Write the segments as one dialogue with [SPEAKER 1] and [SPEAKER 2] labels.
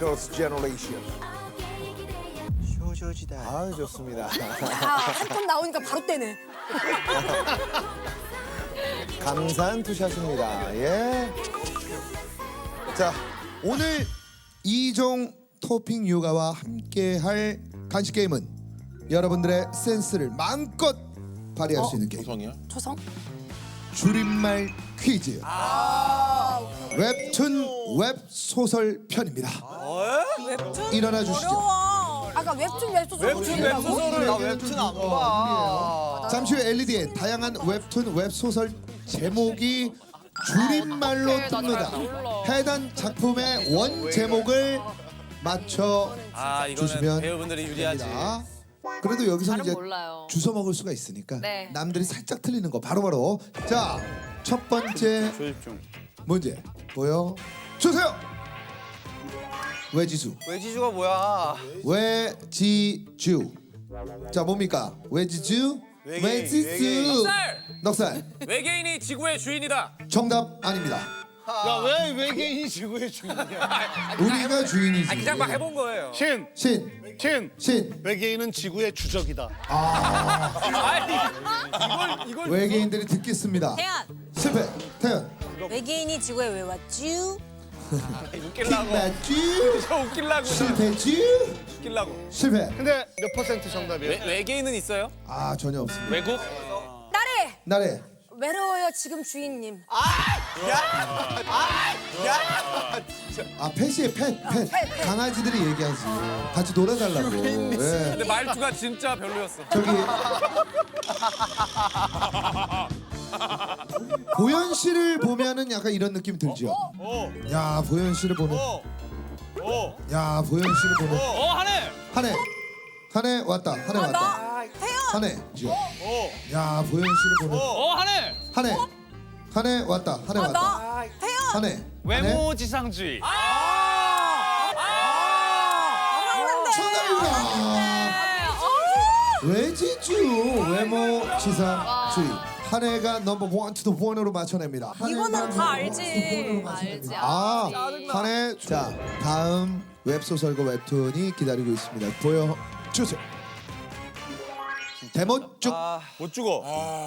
[SPEAKER 1] Girls' Generation.
[SPEAKER 2] 효조지다.
[SPEAKER 1] 아 좋습니다.
[SPEAKER 3] 한번 나오니까 바로 떼네.
[SPEAKER 1] 감사한 투샷입니다. 예. 자 오늘 이종 토핑 요가와 함께할 간식 게임은 여러분들의 센스를 마음껏 발휘할 수 있는 게임.
[SPEAKER 3] 초성?
[SPEAKER 1] 줄임말 퀴즈. 웹툰 웹소설 편입니다.
[SPEAKER 3] 웹툰?
[SPEAKER 1] 일어나 주시죠.
[SPEAKER 3] 어려워. 아까 웹소설
[SPEAKER 2] 웹소설을 나 웹툰 안 봐.
[SPEAKER 1] 잠시 후 LED에 다양한 웹툰 웹소설 제목이 줄임말로 뜹니다. 해당 작품의 원 제목을 맞춰
[SPEAKER 4] 이거는
[SPEAKER 1] 주시면
[SPEAKER 4] 배우분들이 유리하지.
[SPEAKER 1] 됩니다. 그래도 여기서
[SPEAKER 5] 잘은
[SPEAKER 1] 이제
[SPEAKER 5] 몰라요.
[SPEAKER 1] 주워 먹을 수가 있으니까
[SPEAKER 5] 네.
[SPEAKER 1] 남들이 살짝 틀리는 거 바로바로. 자, 첫 번째 문제 보여 주세요. 외지수.
[SPEAKER 2] 외지주가 뭐야?
[SPEAKER 1] 외지주. 자, 뭡니까? 외지주. 외지수. 넉살.
[SPEAKER 4] 외계인이 지구의 주인이다.
[SPEAKER 1] 정답 아닙니다.
[SPEAKER 6] 야, 왜 외계인이 지구의 주인이야?
[SPEAKER 1] 우리가 주인이지.
[SPEAKER 4] 그냥 막 해본 거예요.
[SPEAKER 6] 신,
[SPEAKER 1] 신.
[SPEAKER 6] 신.
[SPEAKER 1] 신.
[SPEAKER 6] 외계인은 지구의 주적이다.
[SPEAKER 4] 이걸
[SPEAKER 1] 외계인들이 듣겠습니다.
[SPEAKER 3] 태연.
[SPEAKER 1] 실패. 태연.
[SPEAKER 3] 외계인이 지구에 왜 왔쥬?
[SPEAKER 4] 웃길라고.
[SPEAKER 1] 맞지?
[SPEAKER 4] 저 웃길라고.
[SPEAKER 1] 실패지?
[SPEAKER 4] 웃길라고.
[SPEAKER 1] 실패.
[SPEAKER 6] 근데 몇 퍼센트 정답이에요?
[SPEAKER 4] 외계인은 있어요?
[SPEAKER 1] 아 전혀 없습니다.
[SPEAKER 4] 외국?
[SPEAKER 3] 딸에
[SPEAKER 1] 나래.
[SPEAKER 3] 외로워요 지금 주인님.
[SPEAKER 1] 아 펫이에요 펫.
[SPEAKER 3] 펫.
[SPEAKER 1] 강아지들이 얘기하지. 같이 놀아달라고. 예.
[SPEAKER 4] 근데 말투가 진짜 별로였어.
[SPEAKER 1] 저기 보현 씨를 보면은 약간 이런 느낌 들죠. 야 보현 씨를 보는. 야 보현 씨를 보는.
[SPEAKER 4] 하네.
[SPEAKER 1] 한해. 한해 왔다. 한해 왔다.
[SPEAKER 3] 나 태연.
[SPEAKER 1] 한해. 야 보현 씨를 보는.
[SPEAKER 4] 하네.
[SPEAKER 1] 한해. 한해 왔다. 한해 왔다.
[SPEAKER 3] 나 태연.
[SPEAKER 1] 한해.
[SPEAKER 4] 외모지상주의.
[SPEAKER 1] 정답입니다. 외지주 외모 지상주의. 한해가 넘버 1 to the 1으로 맞춰냅니다.
[SPEAKER 3] 이거는 다 알지.
[SPEAKER 5] 알지.
[SPEAKER 1] 아, 한해. 자, 다음 웹소설과 웹툰이 기다리고 있습니다. 보여주세요. 데모 쭉.
[SPEAKER 4] 못 죽어.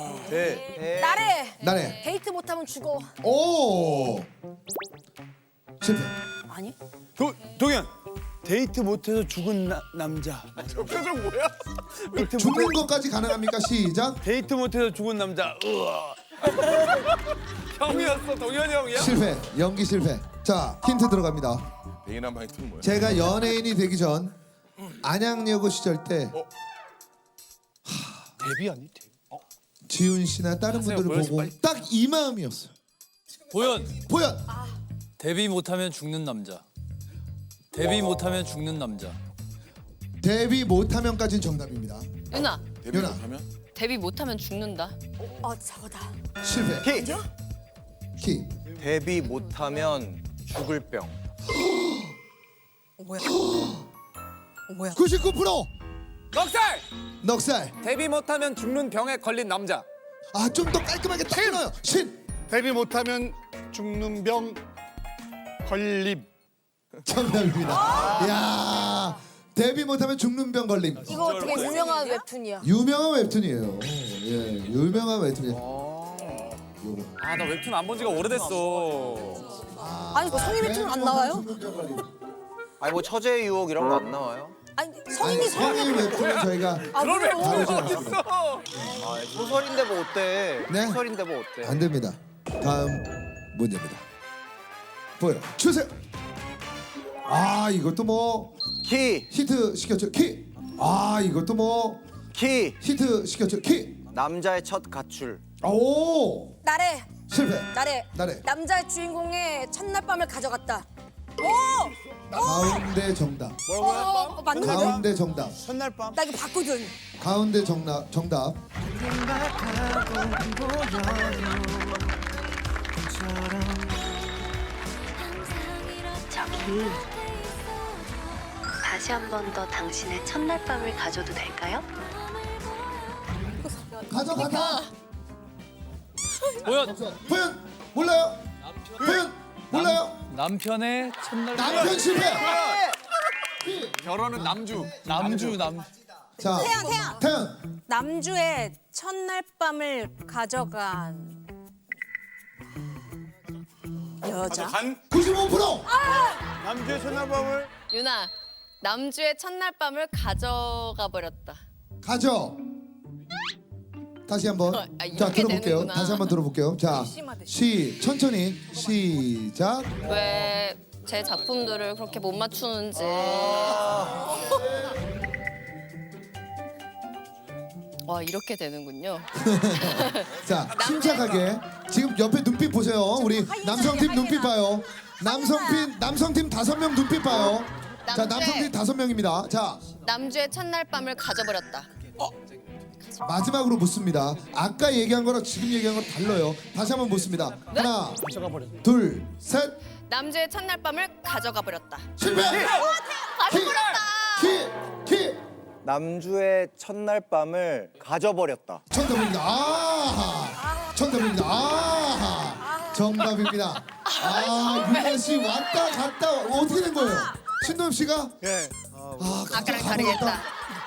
[SPEAKER 3] 딸에
[SPEAKER 1] 나래.
[SPEAKER 3] 데이트 못하면 죽어.
[SPEAKER 1] 오. 실패.
[SPEAKER 3] 아니?
[SPEAKER 2] 동현. 데이트 못해서 죽은 남자.
[SPEAKER 4] 저 표정 뭐야?
[SPEAKER 1] 죽는 것까지 가능합니까? 시작.
[SPEAKER 2] 데이트 못해서 죽은 남자.
[SPEAKER 4] 형이었어. 동현이 형이야?
[SPEAKER 1] 실패. 연기 실패. 자, 힌트 들어갑니다.
[SPEAKER 7] 예인한 바이트는 뭐야?
[SPEAKER 1] 제가 연예인이 되기 전 안양여고 시절 때
[SPEAKER 6] 데뷔 아니? 데뷔.
[SPEAKER 1] 지훈 씨나 다른 분들을
[SPEAKER 4] 보현 씨
[SPEAKER 1] 보고
[SPEAKER 4] 빨리.
[SPEAKER 1] 딱 이 마음이었어요.
[SPEAKER 8] 보현
[SPEAKER 1] 보현.
[SPEAKER 8] 데뷔 못하면 죽는 남자. 데뷔 못하면 죽는 남자.
[SPEAKER 1] 데뷔 못하면까지는 정답입니다.
[SPEAKER 5] 윤아,
[SPEAKER 7] 데뷔
[SPEAKER 1] 유나.
[SPEAKER 7] 못하면?
[SPEAKER 5] 데뷔 못하면 죽는다.
[SPEAKER 3] 저거다.
[SPEAKER 1] 실패. 키.
[SPEAKER 2] 데뷔 못하면 죽을 병.
[SPEAKER 3] 뭐야? 뭐야?
[SPEAKER 1] 99%.
[SPEAKER 4] 넉살.
[SPEAKER 1] 넉살.
[SPEAKER 4] 데뷔 못하면 죽는 병에 걸린 남자.
[SPEAKER 1] 아, 좀 더 깔끔하게 딱 끊어요. 신.
[SPEAKER 6] 데뷔 못하면 죽는 병 걸림.
[SPEAKER 1] 정답입니다. 야, 데뷔 못하면 죽는 병 걸림.
[SPEAKER 3] 이거 되게 유명한 웹툰이야.
[SPEAKER 1] 유명한 웹툰이에요. 예, 유명한 웹툰이에요.
[SPEAKER 4] 나 웹툰 안 본 지가 오래됐어.
[SPEAKER 3] 아니 그 성인 웹툰 안 나와요?
[SPEAKER 2] 아니 뭐 처제의 유혹 이런 거 안 나와요?
[SPEAKER 3] 아니 성인이
[SPEAKER 1] 성인 웹툰은 저희가
[SPEAKER 4] 그런 웹툰이
[SPEAKER 1] 다루지 않습니다.
[SPEAKER 4] 어딨어?
[SPEAKER 2] 소설인데 뭐 어때?
[SPEAKER 1] 네?
[SPEAKER 2] 소설인데 뭐 어때?
[SPEAKER 1] 안 됩니다. 다음 문제입니다. 보여 주세요. 아, 이것도 뭐
[SPEAKER 2] 키,
[SPEAKER 1] 히트 시켰죠. 키. 아, 이것도 뭐
[SPEAKER 2] 키.
[SPEAKER 1] 히트 시켰죠. 키.
[SPEAKER 2] 남자의 첫 가출.
[SPEAKER 1] 오,
[SPEAKER 3] 나래
[SPEAKER 1] 실패.
[SPEAKER 3] 나래
[SPEAKER 1] 나래.
[SPEAKER 3] 남자 주인공의 첫날 밤을 가져갔다. 오!
[SPEAKER 1] 가운데 정답.
[SPEAKER 3] 맞는 거죠?
[SPEAKER 1] 가운데 정답.
[SPEAKER 2] 첫날 밤.
[SPEAKER 3] 나 이거 봤거든.
[SPEAKER 1] 가운데 정답.
[SPEAKER 9] 저기 다시 한 번 더 당신의 첫날 밤을 가져도 될까요?
[SPEAKER 1] 가져가자.
[SPEAKER 8] 보현
[SPEAKER 1] 보현 몰라요? 보현 몰라요?
[SPEAKER 8] 남편의 첫날
[SPEAKER 1] 남편 실패.
[SPEAKER 4] 결혼은 남주.
[SPEAKER 1] 자,
[SPEAKER 3] 태연.
[SPEAKER 1] 태연.
[SPEAKER 3] 남주의 첫날 밤을 가져간 여자.
[SPEAKER 1] 95%.
[SPEAKER 6] 남주의 첫날밤을
[SPEAKER 5] 유나, 남주의 첫날 밤을 가져가 버렸다.
[SPEAKER 1] 가져. 다시 한번.
[SPEAKER 5] 아,
[SPEAKER 1] 자,
[SPEAKER 5] 이렇게
[SPEAKER 1] 들어볼게요.
[SPEAKER 5] 되는구나.
[SPEAKER 1] 다시 한번 들어볼게요. 자, 천천히 시작.
[SPEAKER 5] 왜 제 작품들을 그렇게 못 맞추는지. 와, 이렇게 되는군요.
[SPEAKER 1] 자, 침착하게. 지금 옆에 눈빛 보세요. 우리 남성팀 눈빛 봐요. 남성팀 5명 눈빛 봐요. 자, 남성팀 5명입니다. 자,
[SPEAKER 5] 남주의 첫날 밤을 가져버렸다.
[SPEAKER 1] 마지막으로 묻습니다. 아까 얘기한 거랑 지금 얘기한 거 달라요. 다시 한번 묻습니다.
[SPEAKER 5] 네?
[SPEAKER 1] 하나, 둘, 셋.
[SPEAKER 5] 남주의 첫날 밤을 가져가 버렸다.
[SPEAKER 1] 실패. 키.
[SPEAKER 2] 남주의 첫날 밤을 가져버렸다.
[SPEAKER 1] 정답입니다. 정답입니다. 유나 씨 왔다 갔다 어떻게 된 거예요? 신동엽 씨가?
[SPEAKER 6] 예.
[SPEAKER 5] 아까랑 다르겠다.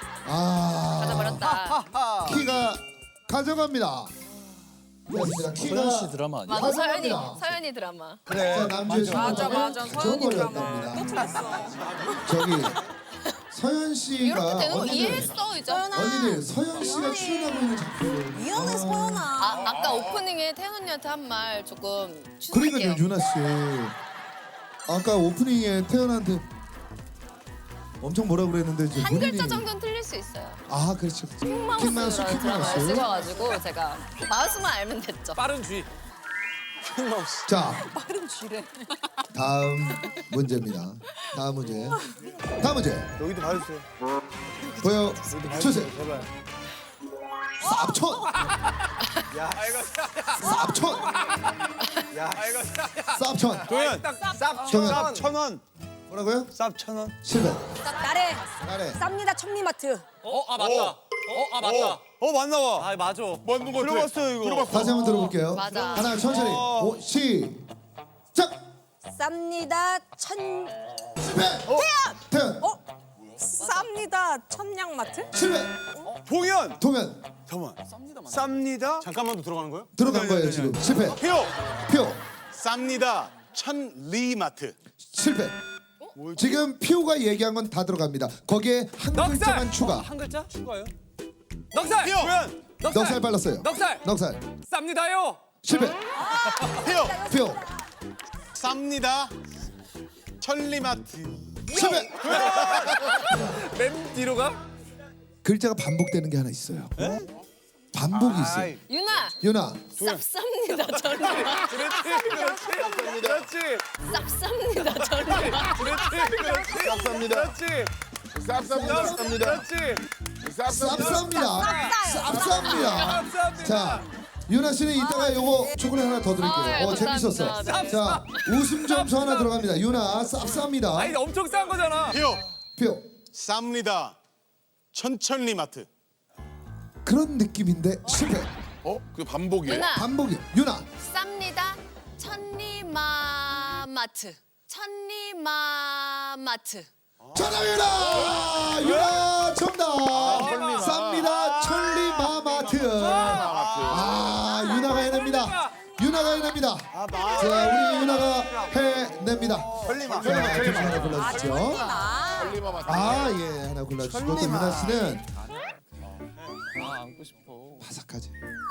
[SPEAKER 5] 가져버렸다.
[SPEAKER 1] 키가 가져갑니다. 그렇습니다.
[SPEAKER 8] 서현 씨
[SPEAKER 1] 키가
[SPEAKER 8] 드라마 아니야?
[SPEAKER 5] 맞아,
[SPEAKER 1] 가져갑니다.
[SPEAKER 5] 서연이 드라마.
[SPEAKER 1] 자, 남주의
[SPEAKER 3] 맞아. 서연이 드라마.
[SPEAKER 1] 가져버렸답니다. 저기 서현 씨가
[SPEAKER 5] 이렇게 되는 거
[SPEAKER 1] 언니들,
[SPEAKER 5] 이해했어, 이제.
[SPEAKER 1] 언니들 서현 씨가 출연하고 있는 작품.
[SPEAKER 3] 미안해 서연아.
[SPEAKER 5] 아까 오프닝에 태연 언니한테 한 말 조금
[SPEAKER 1] 그러니까요,
[SPEAKER 5] 추석할게요.
[SPEAKER 1] 유나 씨. 아까 오프닝에 태연한테 엄청 뭐라 그랬는데 이제
[SPEAKER 5] 한
[SPEAKER 1] 본인이
[SPEAKER 5] 글자 정도는 틀릴 수 있어요.
[SPEAKER 1] 아, 그렇죠. 킥마우스.
[SPEAKER 5] 킥마우스라는 드라마를 찍어가지고 제가 마우스만 알면 됐죠.
[SPEAKER 4] 빠른 쥐.
[SPEAKER 1] 자, 다음 문제입니다. 다음 문제.
[SPEAKER 6] 여기도 봐주세요.
[SPEAKER 1] 보여 주세요.
[SPEAKER 6] 제발.
[SPEAKER 1] 쌉촌. 쌉촌.
[SPEAKER 6] 도현.
[SPEAKER 1] 정답.
[SPEAKER 6] 쌉 1,000원.
[SPEAKER 1] 뭐라고요?
[SPEAKER 6] 쌉 1,000원.
[SPEAKER 1] 실패.
[SPEAKER 3] 나래.
[SPEAKER 1] 나래.
[SPEAKER 3] 쌉니다 천리마트.
[SPEAKER 4] 맞다. 맞다.
[SPEAKER 6] 맞나 봐.
[SPEAKER 4] 아, 맞아.
[SPEAKER 6] 맞는 거 들어봤어요 이거.
[SPEAKER 1] 다시 한번 들어볼게요.
[SPEAKER 5] 맞아.
[SPEAKER 1] 하나 천천히. 시작.
[SPEAKER 3] 쌉니다
[SPEAKER 1] 실패. 태연.
[SPEAKER 3] 쌉니다 천냥마트.
[SPEAKER 1] 실패.
[SPEAKER 6] 동현.
[SPEAKER 1] 동현.
[SPEAKER 6] 잠깐만. 쌉니다. 잠깐만 더 들어가는 거예요?
[SPEAKER 1] 들어간 거예요 지금. 실패.
[SPEAKER 6] 표.
[SPEAKER 1] 표.
[SPEAKER 6] 쌉니다. 천리마트.
[SPEAKER 1] 실패. 지금 피오가 얘기한 건 다 들어갑니다. 거기에 한
[SPEAKER 4] 넉살!
[SPEAKER 1] 글자만 추가.
[SPEAKER 4] 한 글자? 추가요? 넉살!
[SPEAKER 6] 표. 도현.
[SPEAKER 1] 넉살 빨랐어요.
[SPEAKER 4] 넉살! 쌉니다요!
[SPEAKER 1] 실패.
[SPEAKER 6] 표.
[SPEAKER 1] 표.
[SPEAKER 6] 쌉니다. 천리마트.
[SPEAKER 1] 실패.
[SPEAKER 4] 맨 뒤로 가?
[SPEAKER 1] 글자가 반복되는 게 하나 있어요. 반복이 있어요.
[SPEAKER 5] 유나!
[SPEAKER 1] 유나.
[SPEAKER 5] 쌉쌉니다, 저를.
[SPEAKER 4] 그렇지.
[SPEAKER 5] 쌉쌉니다, 저를.
[SPEAKER 4] 그렇지.
[SPEAKER 1] 쌉쌉니다. 자, 유나 씨는 이따가 요거 초콜릿 하나 더 드릴게요.
[SPEAKER 5] 아,
[SPEAKER 1] 재밌었어.
[SPEAKER 5] 감사합니다.
[SPEAKER 1] 자, 웃음 점수 하나 들어갑니다. 유나 쌉쌉니다.
[SPEAKER 4] 아니, 엄청 싼 거잖아.
[SPEAKER 6] 표.
[SPEAKER 1] 표.
[SPEAKER 6] 쌉니다. 천천리마트.
[SPEAKER 1] 그런 느낌인데 실패.
[SPEAKER 7] 그 반복이에요?
[SPEAKER 5] 유나!
[SPEAKER 1] 반복이. 유나.
[SPEAKER 5] 쌉니다, 천리마마트. 천리마마트.
[SPEAKER 1] 정답입니다. 유나 정답. 쌉니다. 천리마마트. 유나가 해냅니다. 자, 우리 유나가 해냅니다. 자, 둘중 하나 골라주시죠. 예, 하나 골라주시고 또 유나 씨는
[SPEAKER 4] 안고 싶어.
[SPEAKER 1] 바삭하지.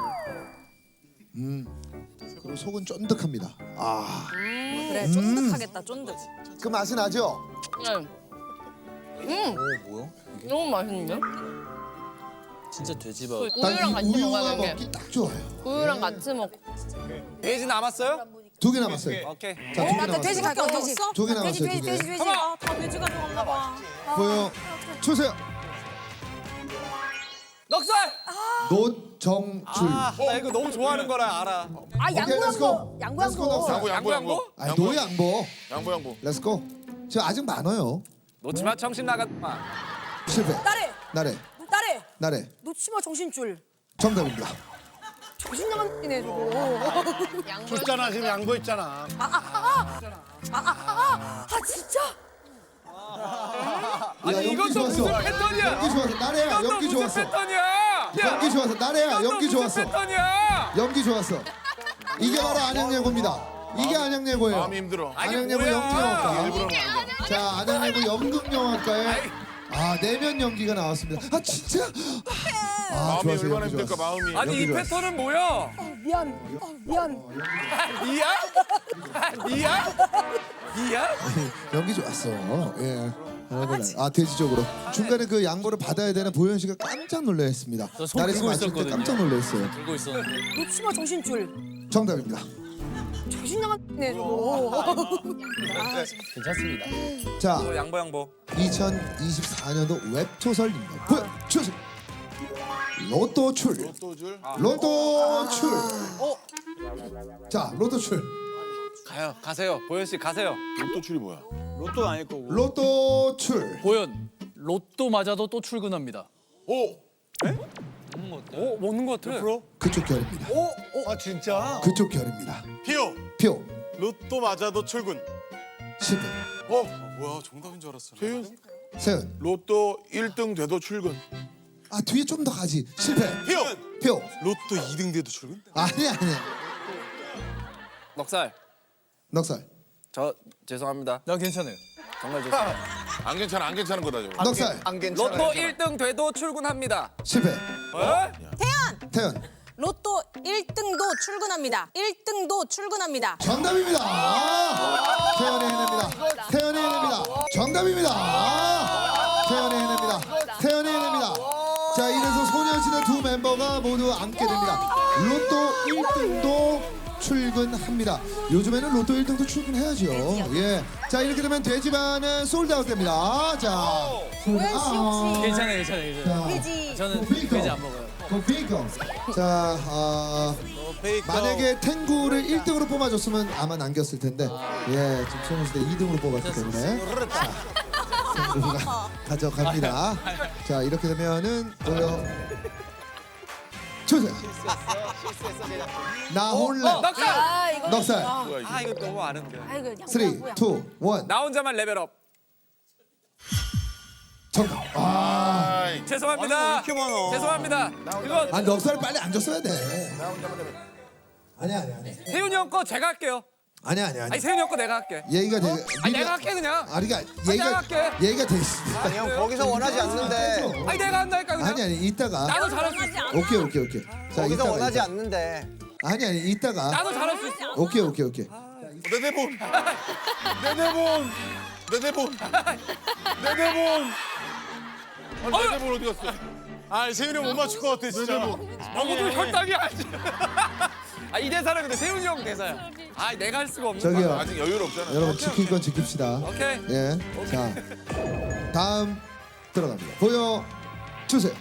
[SPEAKER 1] 그리고 속은 쫀득합니다.
[SPEAKER 3] 그래 쫀득하겠다 쫀득.
[SPEAKER 1] 그 맛이 나죠?
[SPEAKER 8] 뭐야?
[SPEAKER 5] 너무 맛있는데?
[SPEAKER 8] 진짜 돼지밥.
[SPEAKER 5] 우유랑 같이
[SPEAKER 1] 우유가
[SPEAKER 5] 먹어야 돼.
[SPEAKER 1] 먹기 딱 좋아요.
[SPEAKER 5] 우유랑 같이 먹.
[SPEAKER 4] 돼지 남았어요?
[SPEAKER 1] 2개 남았어요.
[SPEAKER 4] 오케이.
[SPEAKER 1] 자, 2개
[SPEAKER 3] 나 돼지
[SPEAKER 1] 남았어요.
[SPEAKER 3] 갈게 돼지.
[SPEAKER 1] 2개 남았어요.
[SPEAKER 3] 돼지.
[SPEAKER 1] 2개.
[SPEAKER 3] 다 돼지 가져갔나 봐.
[SPEAKER 1] 보여 주세요.
[SPEAKER 4] 넉살!
[SPEAKER 1] 노정줄.
[SPEAKER 4] 나 이거 너무 좋아하는 거라 알아.
[SPEAKER 3] 양보양보.
[SPEAKER 4] 양보?
[SPEAKER 1] 노양보.
[SPEAKER 7] 양보.
[SPEAKER 1] 렛츠고. 저 아직 많아요.
[SPEAKER 4] 놓치마 정신 나갔마.
[SPEAKER 1] 실패.
[SPEAKER 3] 나래.
[SPEAKER 1] 나래.
[SPEAKER 3] 놓치마 정신줄.
[SPEAKER 1] 정답입니다.
[SPEAKER 3] 정신 나간 띠네 저거.
[SPEAKER 6] 줬잖아 지금 양보했잖아.
[SPEAKER 3] 진짜?
[SPEAKER 4] 아니
[SPEAKER 1] 연기
[SPEAKER 4] 이것도
[SPEAKER 1] 좋았어.
[SPEAKER 4] 무슨 패턴이야?
[SPEAKER 1] 연기 좋았어. 나래야
[SPEAKER 4] 이것도
[SPEAKER 1] 연기
[SPEAKER 4] 무슨
[SPEAKER 1] 좋았어.
[SPEAKER 4] 패턴이야?
[SPEAKER 1] 연기 좋았어. 나래야
[SPEAKER 4] 이것도
[SPEAKER 1] 연기
[SPEAKER 4] 무슨
[SPEAKER 1] 좋았어.
[SPEAKER 4] 패턴이야?
[SPEAKER 1] 연기 좋았어. 이게 바로 안양예고입니다. 이게 안양예고예요.
[SPEAKER 7] 마음이 힘들어.
[SPEAKER 1] 안양예고
[SPEAKER 4] 뭐야?
[SPEAKER 1] 연기영화과. 자, 안양예고 연극영화과에 내면 연기가 나왔습니다. 아 진짜?
[SPEAKER 7] 마음이
[SPEAKER 1] 좋았어요.
[SPEAKER 7] 얼마나
[SPEAKER 1] 연기
[SPEAKER 7] 힘들까
[SPEAKER 1] 좋았어.
[SPEAKER 7] 마음이.
[SPEAKER 4] 아니 이
[SPEAKER 1] 연기
[SPEAKER 4] 패턴은 뭐야?
[SPEAKER 3] 미안. 미안.
[SPEAKER 4] 니야?
[SPEAKER 1] 연기 좋았어. 예. 돼지적으로 중간에 그 양보를 받아야 되는 보현 씨가 깜짝 놀라했습니다.
[SPEAKER 8] 저손
[SPEAKER 1] 나래서
[SPEAKER 8] 들고
[SPEAKER 1] 맞출 때
[SPEAKER 8] 있었거든요.
[SPEAKER 1] 깜짝 놀랐어요.
[SPEAKER 8] 들고 있었는데.
[SPEAKER 3] 놓치마 정신줄.
[SPEAKER 1] 정답입니다.
[SPEAKER 3] 정신 나갔네 저거.
[SPEAKER 8] 괜찮습니다.
[SPEAKER 1] 자,
[SPEAKER 4] 양보.
[SPEAKER 1] 2024년도 웹소설입니다. 보여주세요. 로또 출.
[SPEAKER 7] 또 줄.
[SPEAKER 1] 로또 출. 자, 로또 출.
[SPEAKER 4] 가세요. 보현 씨 가세요.
[SPEAKER 7] 또 줄이 뭐야?
[SPEAKER 6] 로또 아닐 거고.
[SPEAKER 1] 로또 출.
[SPEAKER 8] 보현 로또 맞아도 또 출근합니다.
[SPEAKER 7] 오.
[SPEAKER 4] 먹는 거 같아.
[SPEAKER 1] 그쪽 결입니다.
[SPEAKER 6] 아 진짜?
[SPEAKER 1] 그쪽 결입니다.
[SPEAKER 7] 피오.
[SPEAKER 1] 표.
[SPEAKER 7] 로또 맞아도 출근.
[SPEAKER 1] 10분.
[SPEAKER 7] 뭐야 정답인 줄 알았어. 세윤.
[SPEAKER 1] 세은.
[SPEAKER 7] 로또 1등 돼도 출근.
[SPEAKER 1] 뒤에 좀 더 가지. 실패.
[SPEAKER 7] 피오.
[SPEAKER 1] 표.
[SPEAKER 7] 로또 2등 돼도 출근?
[SPEAKER 1] 아니야.
[SPEAKER 4] 넉살.
[SPEAKER 1] 넉살.
[SPEAKER 4] 저 죄송합니다.
[SPEAKER 8] 나 괜찮아요.
[SPEAKER 4] 정말 죄송해요.
[SPEAKER 7] 안 괜찮은 거다 저거.
[SPEAKER 1] 넉살.
[SPEAKER 2] 안 괜찮아.
[SPEAKER 4] 로또 1등 돼도 출근합니다.
[SPEAKER 1] 실패. 태연.
[SPEAKER 3] 로또 1등도 출근합니다. 1등도 출근합니다.
[SPEAKER 1] 정답입니다. 태연이 해냅니다. 태연이 해냅니다. 정답입니다. 태연이 해냅니다. 태연이 해냅니다. 자, 이래서 소녀시대 두 멤버가 모두 앉게 됩니다. 로또 1등도 출근합니다. 요즘에는 로또 1등도 출근해야죠. 예. 자, 이렇게 되면 돼지반은 솔드아웃 됩니다. 자, 솔드아웃.
[SPEAKER 8] 괜찮아요.
[SPEAKER 3] 돼지.
[SPEAKER 8] 저는 돼지 안 먹어요.
[SPEAKER 1] 고피고. 자, 만약에 탱구를 1등으로 뽑아줬으면 아마 남겼을 텐데, 예, 지금 소녀시대 2등으로 뽑았기 때문에 자, 탱구가 가져갑니다. 자, 이렇게 되면은 보여 주세요. 나 홀라
[SPEAKER 4] 넉살.
[SPEAKER 3] 이거.
[SPEAKER 1] 넉살.
[SPEAKER 4] 이거 너무 아는데.
[SPEAKER 3] 아이고.
[SPEAKER 1] 3, 2, 1.
[SPEAKER 4] 나 혼자만 레벨업.
[SPEAKER 1] 정답.
[SPEAKER 4] 죄송합니다.
[SPEAKER 6] 이렇게 많아.
[SPEAKER 4] 죄송합니다. 그거
[SPEAKER 1] 넉살을 빨리 안 줬어야 돼. 아니야.
[SPEAKER 4] 세윤이 형 거 제가 할게요.
[SPEAKER 1] 아니야.
[SPEAKER 4] 아니 세윤이 형 거 내가 할게.
[SPEAKER 1] 얘기가 돼.
[SPEAKER 4] 아니 내가 할게 그냥.
[SPEAKER 1] 그러니까
[SPEAKER 4] 내가 할게.
[SPEAKER 1] 얘기가 돼 있어.
[SPEAKER 2] 아니 형 거기서 원하지 않는데.
[SPEAKER 4] 아니 내가 한다니까 그냥.
[SPEAKER 1] 아니 이따가.
[SPEAKER 4] 나도 잘할 수 있어.
[SPEAKER 1] 오케이. 자,
[SPEAKER 2] 거기서
[SPEAKER 1] 이따가.
[SPEAKER 2] 원하지 않는데.
[SPEAKER 1] 아니 이따가.
[SPEAKER 4] 나도 잘할 수 있어.
[SPEAKER 1] 오케이.
[SPEAKER 7] 내 대본. 내 대본. 내 대본. 내 대본. 내 대본 어디 갔어? 세윤이 못 맞출 것 같아 진짜.
[SPEAKER 4] 너무도 혈당이 아니지. 이 대사는 근데 세윤이 형 대사야. 내가 할 수가 없는 거야.
[SPEAKER 1] 저기요.
[SPEAKER 7] 아직 여유는 없잖아.
[SPEAKER 1] 여러분 지킬 건 지킵시다.
[SPEAKER 4] 오케이.
[SPEAKER 1] 예. 자, 다음 들어갑니다. 보여 주세요.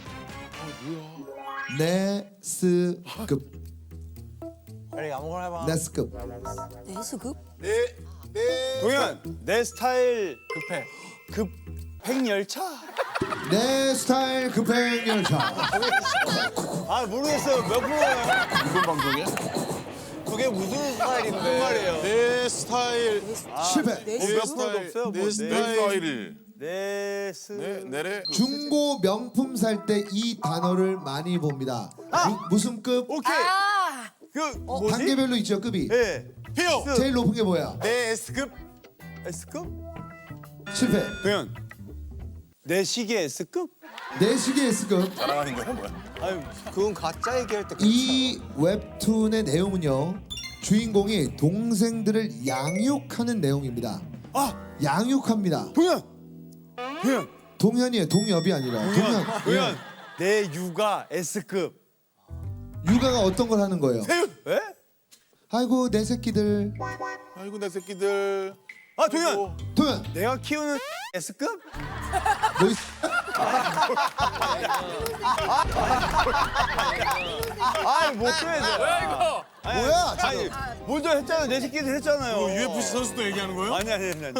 [SPEAKER 1] 네스급.
[SPEAKER 2] 빨리 아무거나 해봐.
[SPEAKER 1] 네스급.
[SPEAKER 3] 내수급?
[SPEAKER 6] 동현 내 스타일 급해. 급행열차?
[SPEAKER 1] 내 스타일 급행 열차.
[SPEAKER 6] 모르겠어요. 몇 프로예요?
[SPEAKER 7] 무슨 방송이야?
[SPEAKER 6] 그게 무슨 스타일인데? 무슨 말이에요?
[SPEAKER 7] 내 스타일.
[SPEAKER 1] 실패.
[SPEAKER 6] 몇 프로도 없어요?
[SPEAKER 7] 내 스타일. 내래.
[SPEAKER 1] 중고 명품 살 때 이 단어를 많이 봅니다. 무슨 급?
[SPEAKER 6] 오케이. 그 뭐지?
[SPEAKER 1] 단계별로 있죠, 급이.
[SPEAKER 6] 예.
[SPEAKER 7] 피오.
[SPEAKER 1] 제일 높은 게 뭐야?
[SPEAKER 6] 내 S급? S급?
[SPEAKER 1] 실패.
[SPEAKER 6] 동현 내 시계 S급?
[SPEAKER 1] 내 시계 S급.
[SPEAKER 7] 자랑하는 거야 뭐야?
[SPEAKER 6] 아유
[SPEAKER 2] 그건 가짜 얘기할 때.
[SPEAKER 1] 이 웹툰의 내용은요, 주인공이 동생들을 양육하는 내용입니다. 양육합니다.
[SPEAKER 6] 동현
[SPEAKER 1] 동현이에요. 동엽이 아니라. 동현.
[SPEAKER 6] 동현 내 육아 S급.
[SPEAKER 1] 육아가 어떤 걸 하는 거예요?
[SPEAKER 6] 에?
[SPEAKER 1] 아이고 내 새끼들.
[SPEAKER 7] 아이고 내 새끼들.
[SPEAKER 6] 동현
[SPEAKER 1] 동현.
[SPEAKER 6] 내가 키우는 S급?
[SPEAKER 1] 너 이-
[SPEAKER 6] 못해.
[SPEAKER 4] 뭐야 이거?
[SPEAKER 1] 뭐야?
[SPEAKER 6] 아니 먼저 했잖아요. 내 새끼들 했잖아요.
[SPEAKER 7] UFC 선수도 얘기하는 거예요?
[SPEAKER 6] 아니.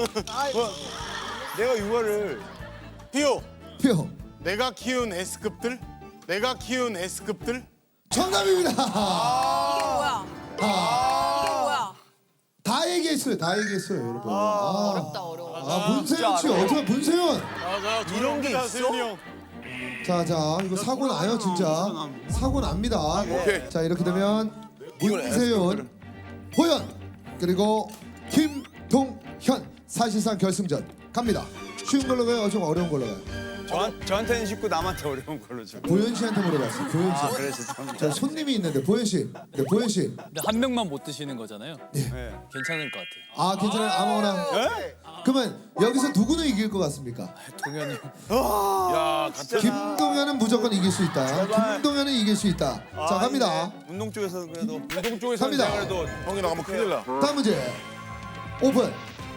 [SPEAKER 6] 내가 육아를
[SPEAKER 7] 피오.
[SPEAKER 1] 표.
[SPEAKER 7] 내가 키운 S급들. 내가 키운 S급들.
[SPEAKER 1] 정답입니다.
[SPEAKER 3] 뭐야?
[SPEAKER 1] 아,
[SPEAKER 3] 뭐야?
[SPEAKER 1] 다 얘기해 얘기했어요. 다 얘기했어요, 여러분.
[SPEAKER 5] 어렵다 어려워.
[SPEAKER 1] 문세윤 씨 어떻게 문세윤?
[SPEAKER 7] 맞아.
[SPEAKER 2] 이런 게 있어?
[SPEAKER 7] 세윤이 형.
[SPEAKER 1] 자, 이거 사고 나요, 진짜. 사고 납니다.
[SPEAKER 7] 오케이.
[SPEAKER 1] 자, 이렇게 되면 문세윤, 호연 그리고 김동현 사실상 결승전 갑니다. 쉬운 걸로 가요, 좀 어려운 걸로 가요.
[SPEAKER 6] 저한테는 쉽고 남한테 어려운 걸로 좀.
[SPEAKER 1] 보현 씨한테 물어봤어요. 보현 씨.
[SPEAKER 6] 그래 죄송합니다.
[SPEAKER 1] 자, 손님이 있는데 보현 씨. 네, 보현 씨.
[SPEAKER 8] 근데 한 명만 못 드시는 거잖아요.
[SPEAKER 6] 네.
[SPEAKER 8] 괜찮을 것 같아요.
[SPEAKER 1] 아, 괜찮아요. 아무거나. 그러면 여기서 누구는 이길 것 같습니까?
[SPEAKER 8] 동현이.
[SPEAKER 7] 야, 같은
[SPEAKER 1] 김동현은 무조건 이길 수 있다. 김동현은 이길 수 있다. 자, 갑니다.
[SPEAKER 6] 운동 쪽에서는 그래도
[SPEAKER 7] 운동 쪽에서
[SPEAKER 1] 갑니다.
[SPEAKER 7] 그래도 형이 나가면 큰일 나.
[SPEAKER 1] 다음 문제. 오픈.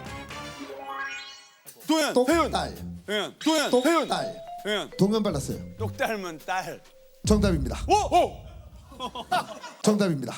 [SPEAKER 6] 도현, 태윤,
[SPEAKER 1] 똑딸.
[SPEAKER 6] 도현, 태윤,
[SPEAKER 1] 똑딸.
[SPEAKER 6] 태윤.
[SPEAKER 1] 동현 발랐어요.
[SPEAKER 6] 똑 닮은 딸.
[SPEAKER 1] 정답입니다.
[SPEAKER 7] 오!
[SPEAKER 1] 정답입니다.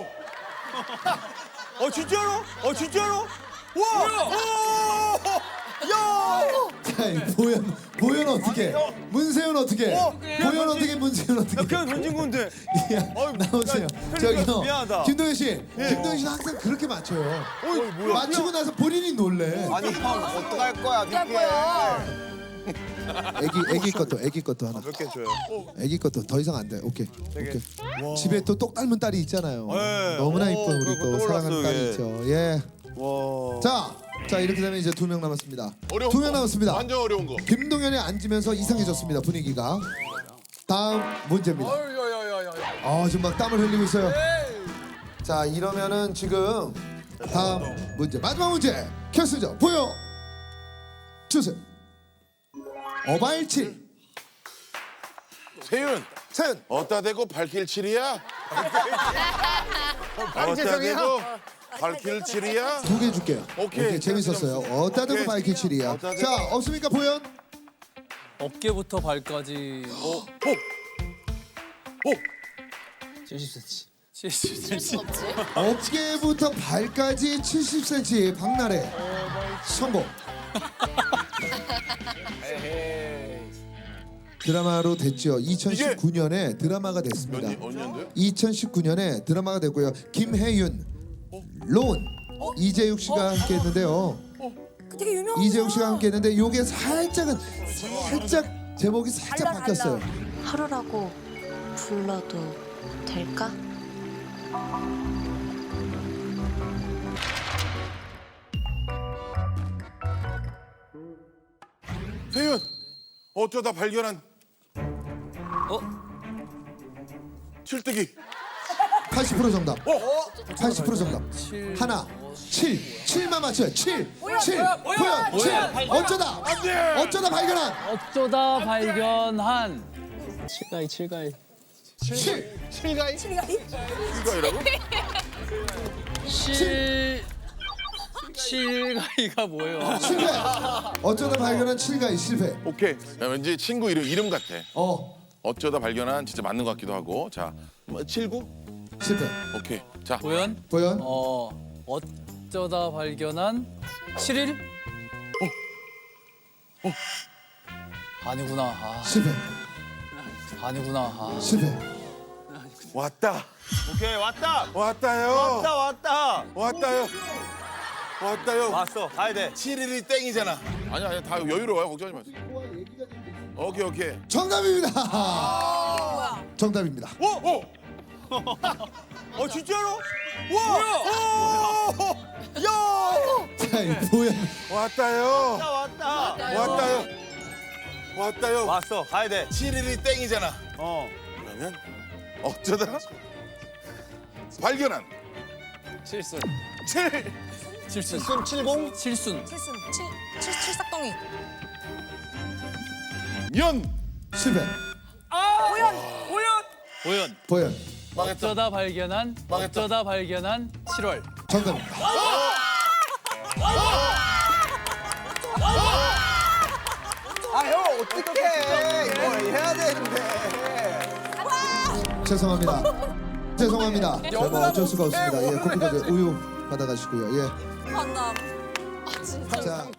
[SPEAKER 6] 진짜로? 진짜로? 와!
[SPEAKER 1] 자, 이 보현 어떻게? 문세윤 어떻게? 보현 어떻게? 문세윤 어떻게?
[SPEAKER 6] 그냥 던진 건데.
[SPEAKER 1] 야, 나오세요. 저기요.
[SPEAKER 6] 미안하다.
[SPEAKER 1] 김동현 씨. 김동현 씨는 항상 그렇게 맞춰요. 맞추고 나서 본인이 놀래.
[SPEAKER 2] 아니 형 어떡할 거야
[SPEAKER 3] 어떡할
[SPEAKER 2] 믿게.
[SPEAKER 3] 거야?
[SPEAKER 1] 애기 것도 하나.
[SPEAKER 6] 몇 개 줘요?
[SPEAKER 1] 애기 것도 더 이상 안 돼. 오케이. 오케이. 집에 또 똑 닮은 딸이 있잖아요.
[SPEAKER 6] 네.
[SPEAKER 1] 너무나 이쁜 우리
[SPEAKER 6] 그거
[SPEAKER 1] 또
[SPEAKER 6] 떠올랐어요,
[SPEAKER 1] 사랑하는 딸이
[SPEAKER 6] 이게.
[SPEAKER 1] 있죠. 예.
[SPEAKER 6] 와.
[SPEAKER 1] 자, 이렇게 되면 이제 2명 남았습니다.
[SPEAKER 7] 어려운
[SPEAKER 1] 2명
[SPEAKER 7] 거.
[SPEAKER 1] 남았습니다.
[SPEAKER 7] 완전 어려운 거.
[SPEAKER 1] 김동현이 앉으면서 이상해졌습니다, 분위기가. 다음 문제입니다. 지금 막 땀을 흘리고 있어요. 자, 이러면은 지금 다음 문제, 마지막 문제 결승전 보여 주세요. 어발칠.
[SPEAKER 7] 세윤.
[SPEAKER 1] 세윤.
[SPEAKER 7] 어따 대고 발길 칠이야? 어따 대고 발길 칠이야?
[SPEAKER 1] 2개 줄게요.
[SPEAKER 7] 오케이.
[SPEAKER 1] 재밌었어요. 어따 대고
[SPEAKER 7] 오케이.
[SPEAKER 1] 바이키칠이야.
[SPEAKER 7] 어따 대고.
[SPEAKER 1] 자, 없습니까 보현?
[SPEAKER 8] 어깨부터 발까지
[SPEAKER 7] 오!
[SPEAKER 8] 70cm.
[SPEAKER 5] 칠
[SPEAKER 8] 70cm.
[SPEAKER 5] 순 없지.
[SPEAKER 1] 어깨부터 발까지 70cm 박나래 성공. 드라마로 됐죠. 2019년에 드라마가 됐습니다.
[SPEAKER 7] 어느 년도야?
[SPEAKER 1] 2019년에 드라마가 됐고요. 김혜윤, 로운, 이재욱 씨가 함께했는데요.
[SPEAKER 3] 되게 유명한.
[SPEAKER 1] 이재욱 씨가 함께했는데 요게 살짝 제목이 살짝 바뀌었어요.
[SPEAKER 9] 하루라고 불러도 될까?
[SPEAKER 7] 세윤. 어쩌다 발견한 칠뜨기.
[SPEAKER 1] 80% 정답. 80% 정답. 하나, 7만 맞춰요. 7. 보현, 7. 어쩌다 발견한.
[SPEAKER 8] 어쩌다 발견한 칠가이.
[SPEAKER 1] 7.
[SPEAKER 7] 이거이라고?
[SPEAKER 8] 칠가이가 뭐예요?
[SPEAKER 1] 실패. 어쩌다 발견한 7가이 실패.
[SPEAKER 7] 오케이. 야, 왠지 친구 이름 같아.
[SPEAKER 1] 어,
[SPEAKER 7] 어쩌다 발견한 진짜 맞는 것 같기도 하고. 자, 뭐 79?
[SPEAKER 1] 실패.
[SPEAKER 7] 오케이. 자,
[SPEAKER 8] 보현?
[SPEAKER 1] 보현.
[SPEAKER 8] 어쩌다 발견한 7일? 아니구나.
[SPEAKER 1] 실패.
[SPEAKER 8] 아니구나.
[SPEAKER 1] 실패.
[SPEAKER 7] 왔다.
[SPEAKER 6] 오케이 왔다.
[SPEAKER 7] 왔다요.
[SPEAKER 6] 왔다.
[SPEAKER 7] 왔다요.
[SPEAKER 6] 왔어. 가야 돼.
[SPEAKER 7] 7일이 땡이잖아. 아니야, 다 여유로워요. 걱정하지 마세요. 오케이.
[SPEAKER 1] 정답입니다. 정답입니다.
[SPEAKER 6] 오. 진짜로? 와. 야.
[SPEAKER 1] 자, 이 보현.
[SPEAKER 7] 왔다요. 왔다요.
[SPEAKER 6] 왔어. 가야 돼.
[SPEAKER 7] 7일이 땡이잖아. 그러면 어쩌다 발견한
[SPEAKER 8] 칠순.
[SPEAKER 7] 7.
[SPEAKER 8] 칠순.
[SPEAKER 3] 70.
[SPEAKER 8] 칠순.
[SPEAKER 3] 칠삭덩이.
[SPEAKER 7] 년.
[SPEAKER 1] 실패.
[SPEAKER 8] 보현.
[SPEAKER 1] 보현.
[SPEAKER 8] 어쩌다 발견한 7월.
[SPEAKER 1] 정답입니다.
[SPEAKER 2] 아 형 어떡해 이거 해야 되는데.
[SPEAKER 1] 죄송합니다. 뭐 어쩔 수가 없습니다. 예, 커피까지 우유 받아가시고요. 예.
[SPEAKER 3] 한다.
[SPEAKER 1] 자.